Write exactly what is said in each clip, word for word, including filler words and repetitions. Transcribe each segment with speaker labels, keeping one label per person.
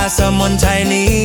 Speaker 1: สมุนไพรนี้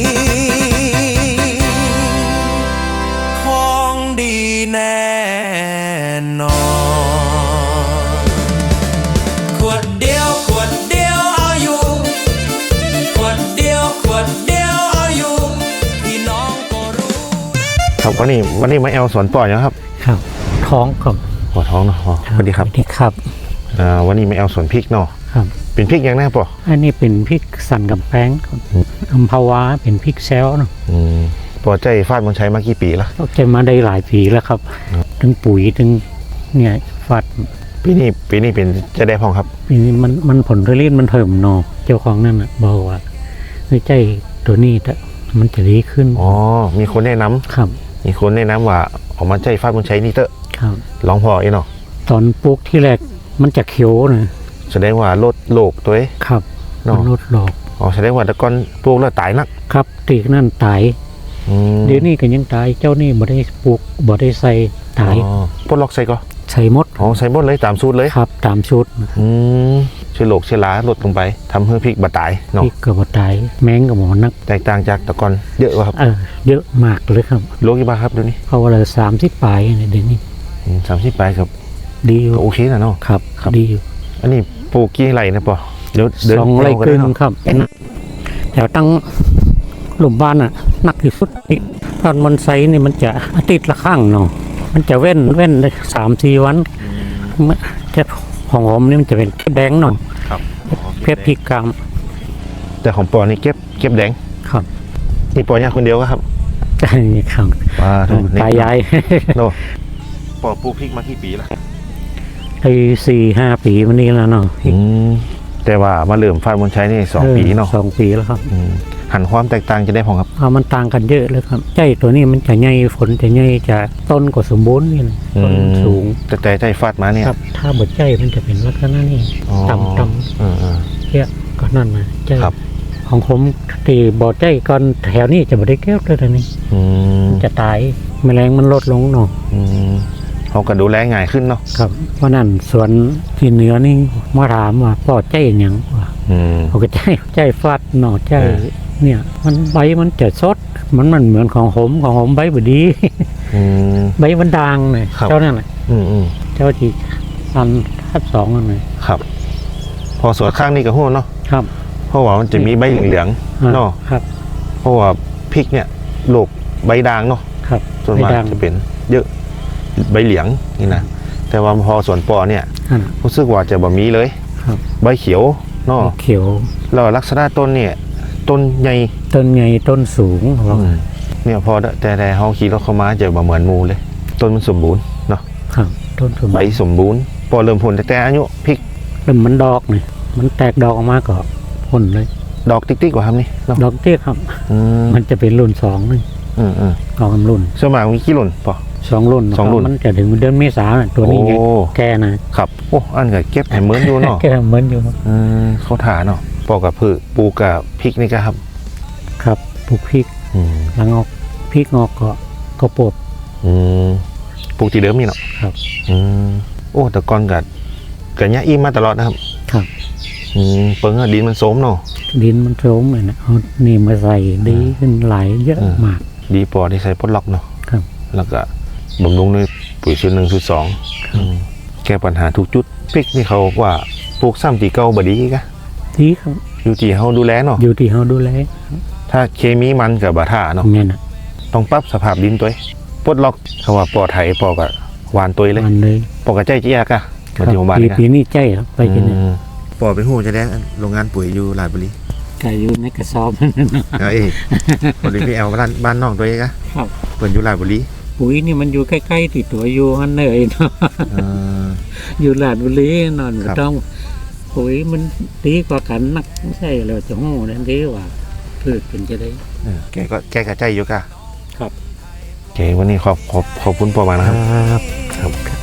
Speaker 1: ของดีแน่นอนขวดเดียวขวดเดียวเอาอยู่ขวดเดียวขวดเดียวเอาอยู่พี่น้องก็รู้
Speaker 2: ครับวันนี้วันนี้มาแอลสวนปล่อยนะครับ
Speaker 3: ครับท้องครับ
Speaker 2: ปวดท้องเนาะสวัสดีครับ
Speaker 3: สวัสดีครับ
Speaker 2: อ่าวันนี้มาแอลสวนพริกเนาะ
Speaker 3: ครับ
Speaker 2: เป็นพริกยังไงป่ะ
Speaker 3: อันนี้เป็นพริกสันกับแป้งอัมพาวาเป็นพริกแซลเนาะ
Speaker 2: อืมปอใจฟาดมันใช้มากี่ปีแล้ว
Speaker 3: ก็จะมาได้หลายปีแล้วครับถึงปุ๋ยถึงเนี่ยฟาด
Speaker 2: ปีนี้ปีนี้เป็นจะได้พองครับ
Speaker 3: ปีนี้มันมันผลผลิตมันเพิ่มเนาะเจ้าของนั่นน่ะบอกว่าเฮ้ยใจตัวนี้มันจะดีขึ้น
Speaker 2: อ๋อมีคนแนะนำ
Speaker 3: ครับ
Speaker 2: มีคนแนะนำว่าออกมาใจฟาดมันใช้นี่เตอะ
Speaker 3: ครับ
Speaker 2: ลองพอไอ้เนาะ
Speaker 3: ตอนปลูกที่แรกมันจะเขียวนะ
Speaker 2: แสดงว่าลดโรคตัวเอง
Speaker 3: ครับมันลดโรค
Speaker 2: อ๋อแสดงว่าตะกอนปลูกแล้วตายนัก
Speaker 3: ครับตีกนั่นตายเดี๋ยวนี้ก็ยังตายเจ้านี่บ่ได้ปลูกบ่ได้ใส่ตาย
Speaker 2: ปลดล็อกใส่ก็
Speaker 3: ใส่หมด
Speaker 2: อ๋อใส่หมดเลยตามสูตรเลย
Speaker 3: ครับตามชุด
Speaker 2: อืมเชื้อโรคเชื้อราลดลงไปทำให้พริกบ่ตายเนาะ
Speaker 3: พริกก็บ่ตายแมงก็บ่นัก
Speaker 2: แตกต่างจากตะกอนเยอะกว่าครับ
Speaker 3: เออเยอะมากเลยครับ
Speaker 2: โลกี่บาทครับเดี๋ยวนี้
Speaker 3: เพราะว่าเราสามสิบปลายเดี๋ยวนี้
Speaker 2: สามสิบปลายครับ
Speaker 3: ดีอยู่
Speaker 2: โอเคนะเนาะ
Speaker 3: ครับดีอยู่
Speaker 2: อันนี้ปลูกกี่ไร่นะปอเดี๋ยว
Speaker 3: สองไร่ครึ่งครับแถวตั้งหลุมบ้านอ่ะหนักที่สุดตอนมันไซนี่มันจะอาทิตย์ละครั้งเนาะมันจะเว้นเว้นสามสี่วันจะของผมนี่มันจะเป็นแดงหน่อยเพชรพริกกาม
Speaker 2: แต่ของปอนี่เก็บเก็บแดง
Speaker 3: ครับ
Speaker 2: นี่ปอเนี่ยคนเดียวครับ
Speaker 3: ใช่ครับตายาย
Speaker 2: โนปอปลูกพริกมากี่ปีละ
Speaker 3: ไอ้สี่ห้าปีวันนี้แล้วเนาะ
Speaker 2: แต่ว่ามาเริ่มฟาดมันใช้นี่สองปีเนาะ
Speaker 3: สองปีแล้วครับ
Speaker 2: หันความแตกต่างจะได้พอครับ
Speaker 3: เอามันต่างกันเยอะเลยครับใจตัวนี้มันจะใหญ่ฝนจะใหญ่จะต้นก็สมบูรณ์นี่ต้นสูง
Speaker 2: แต่ใจใจฟาดมาเนี่ย
Speaker 3: ครับถ้าบดใจมันจะเป็นลักษณะนี้ต่ำต่ำเยอะก็นั่นนะใจของผมตีบดใจก่อนแถวนี้จะบดได้แก้วเลยตอนนี้จะตายแมลงมันลดลงเนาะ
Speaker 2: เขาก็ดูแลง่ายขึ้นเนาะ
Speaker 3: ครับเพราะนั่นสวนที่เหนือนี่มาถามว่าปอดใจอย่างว่าเขาก็ใจใจฟาดหน่อใจเนี่ยมันใบมันจะสดมันมันเหมือนของผมของผมใบบดีใบมันด่างเลยเจ้านั่นแหละเจ้าที่อันทับสองนั่นเลย
Speaker 2: ครับพอสวนข้างนี้ก็หัวเนาะ
Speaker 3: ครับ
Speaker 2: เพราะว่ามันจะมีใบเหลืองๆเนาะ
Speaker 3: ครับ
Speaker 2: เพราะว่าพริกเนี่ยโรคใบด่างเนาะ
Speaker 3: ครับ
Speaker 2: ส่วนมากจะเป็นเยอะใบเหลืองนี่นะแต่ว่าพอสวนปอเนี่ยรู้สึกว่าจะบ่มีเลยใบเขียวเนาะ
Speaker 3: เขียว
Speaker 2: แล้วลักษณะต้นเนี่ยต้นใหญ่
Speaker 3: ต้นใหญ่ต้นสูง
Speaker 2: เนี่ยพอแต่แต่เขาขี่รถเข้ามาจะบ่เหมือนมูเลยต้นมันสมบูรณ์เนาะ
Speaker 3: ครับต้น
Speaker 2: ใบสมบูรณ์พอเริ่มผลแต่แต่อายุพริก
Speaker 3: เริ่มมันดอกเนี่ยมันแตกดอกออกมาก็ผลเลย
Speaker 2: ดอกติ๊กๆกว่าครับนี่
Speaker 3: ดอกติ๊กครับมันจะเป็นรุ่นสองนี่
Speaker 2: อืมอืม
Speaker 3: ดอกรุ่น
Speaker 2: สมัยมีกี่รุ่นปอ
Speaker 3: สองรุ่น
Speaker 2: สองรุ่น
Speaker 3: มันจะถึงเดือนเมษาตัวนี้แก่
Speaker 2: นะครับโอ้อันก็เก็บแหมเหมือนอยู่เนาะ
Speaker 3: แก่เหมือนอยู่
Speaker 2: อืมเขาถาเนาะปอกับพืชปูกับพริกนี่ก็ครับ
Speaker 3: ครับปลูกพริกแล้วงอกพริกงอกก็ก็ปลูก
Speaker 2: อืมปลูกที่เดิมนี่เนาะ
Speaker 3: ครับ
Speaker 2: อืมโอ้แต่ก่อนกับกับเนี้ยอิ่มมาตลอดนะครับ
Speaker 3: ครับ
Speaker 2: อืมเปิ้งดินมันโสมเนาะ
Speaker 3: ดินมันโสมเลยนะเอานี่มาใส่ดีขึ้นหลายเยอะมาก
Speaker 2: ดีปอที่ใส่พดล็อกเนาะ
Speaker 3: ครับ
Speaker 2: แล้วก็บำรุงด้วยปุ๋ยชุดหนึ่งชุดสองแก้ปัญหาทุกจุดพริกนี่เขาว่าปลูกซ้ำตีเก่าบดีกะ
Speaker 3: ดีครับ
Speaker 2: อยู่ที่เขาดูแลเนาะ
Speaker 3: อยู่ที่เขาดูแล
Speaker 2: ถ้าเคมีมันกับบาท่าเนาะ
Speaker 3: เนี่ยนะ
Speaker 2: ต้องปรับสภาพดินตัวปลดล็อกเขาว่าปอไถปอกับหวานตัวเลยปอกับใจเจี๊ยกะ
Speaker 3: มาที่หมู่บ้านปีนี้ใจครับไปกิน
Speaker 2: ปอไปหูจะได้โรงงานปุ๋ยอยู่ลาดบุรี
Speaker 3: ไก่อยู่ในกระสอบ
Speaker 2: เอ้ยบริพีเอลบ้านบ้านนอกตัวเองอะเปิดอยู่ลาดบุรี
Speaker 3: ปุ๋ยนี่มันอยู่ใกล้ๆติดตัวอยู่ฮันเลยเนาะอยู่ลาดบุรีนอนต้องปุ๋ยมันดีกว่ากันนักไม่ใช่เราจะหู้นั่นดีกว่าพืชเป็นจะได้
Speaker 2: แกก็แกกระใจอยู่กะ
Speaker 3: ครับ
Speaker 2: แกวันนี้ขอบขอบขอบคุณปอมานะครับ
Speaker 3: ครับ